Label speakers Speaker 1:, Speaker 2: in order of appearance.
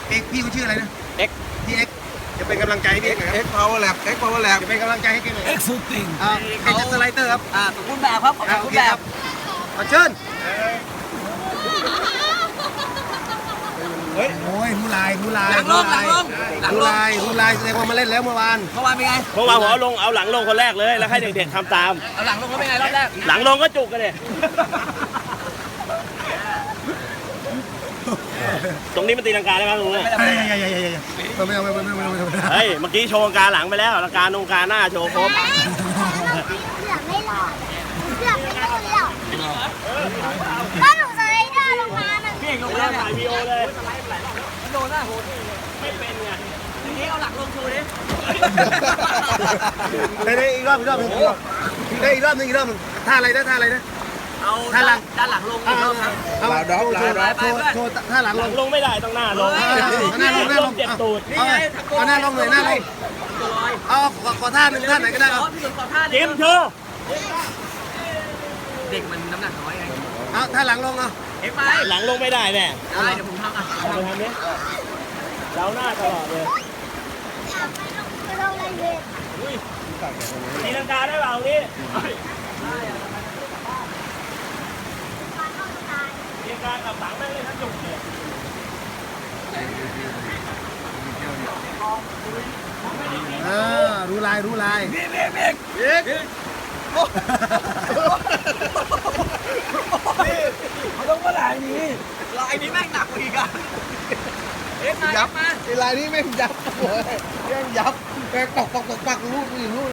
Speaker 1: เอกพี่เขาชื่ออะไรนะ
Speaker 2: เอ็ก
Speaker 1: พี่เอ็กจะเป็นกำลังใจให้พี่เอกนะครับ
Speaker 3: เอ็กพาวเวอร์แลบเอ็กพาวเวอร์แลบ
Speaker 1: จะเป็นกำลังใจให้แกหน่อย
Speaker 3: เอ็กซ์ซูติง
Speaker 1: เป็นจัสไลเตอร์ครับ
Speaker 2: สมบูรณ์แบบครับสม
Speaker 1: โอ
Speaker 2: บูร
Speaker 1: เค
Speaker 2: ณ์แบ
Speaker 1: ครับ
Speaker 2: บ
Speaker 1: ขอเชิญ
Speaker 3: เฮ้ย
Speaker 1: โอ้ยผู้ลายผู้ลาย
Speaker 2: หลังลงหลังลงหลัง
Speaker 1: ผู้
Speaker 2: ลง
Speaker 1: ลายผู้ลายแสดงว่ามาเล่นแล้วเมื่อวาน
Speaker 2: เมื่อวานเป็นไง
Speaker 4: เมื่อวานผมเอาหลังลงคนแรกเลยแล้วให้เด็กๆทำตาม
Speaker 2: เอาหลังลงแล้วเป็นไงรอบแรก
Speaker 4: หลังลงก็จุกกันเลยตรงนี้มันตีลังกาได้ไหมตรงนี้
Speaker 1: เฮ้ยไม่เอา
Speaker 4: เฮ้ยเมื่อกี้โชว์ลังกาหลังไปแล้วลังกาตรงกาหน้าโชว์ครบ
Speaker 5: เสือกไม่หลอดเสือกไม่โดนหรอกถ้าหนูสไลเดอร์ลงมามัน
Speaker 2: พี่เอกลง
Speaker 4: แล้
Speaker 2: แล้ว ว
Speaker 4: ถ่ายวีโอเลย
Speaker 2: มันโดนนะโหด
Speaker 4: ไม่เป็นไง
Speaker 2: ทีนี้เอาหลังลงโชว์ดิ
Speaker 1: ได้อีกรอบอีกรอบนึงได้อีกรอบนึงท่าอะไรนะท่าอะไรนะ
Speaker 2: เอา
Speaker 1: ด้านหลัง
Speaker 2: ด้านหลังลงอีกรอบครับ
Speaker 1: เอาโชว์ท่าหลัง
Speaker 4: ห
Speaker 1: ล
Speaker 4: ลั
Speaker 1: ง
Speaker 4: งลงไม่ได้ต้องหน้าลง
Speaker 1: หน้าลงหน้าลง
Speaker 4: เจ็บตูด
Speaker 1: เอาหน้าลงเลยหน้าลง
Speaker 2: ตัวลอย
Speaker 1: เอาขอท่าหนึ่งท่าไหนก็ได้
Speaker 2: อ๋
Speaker 1: เอา
Speaker 2: อพี่สุดขอท่า
Speaker 4: เกมโชว์
Speaker 2: เด็กมันน้ำหนักน้อยไง
Speaker 1: เอาท่าหลังลงเอา
Speaker 2: เอ็กไป
Speaker 4: หลังลงไม่ได้แน่
Speaker 2: ได้เดี๋ยวผมทำอ่ะ
Speaker 4: เอาไปทำนี้เราหน้าตลอดเลย
Speaker 5: ไปลงอะไรเลย
Speaker 4: ตีลังกาได้เปล่านี่ตีลังกากับหลังแม่งเลยทั้งจุกเลย
Speaker 1: รู้ลายรู้ลาย
Speaker 3: เขาต้องมาลายนี้
Speaker 2: ลายนี้แม่งหนักกว่าอีกอ่ะเอ็กมา
Speaker 3: ยับ
Speaker 2: มา
Speaker 3: ไอ้ลายนี้แม่งยับเลยแม่งยับแม่งปักลูกนี่ลูก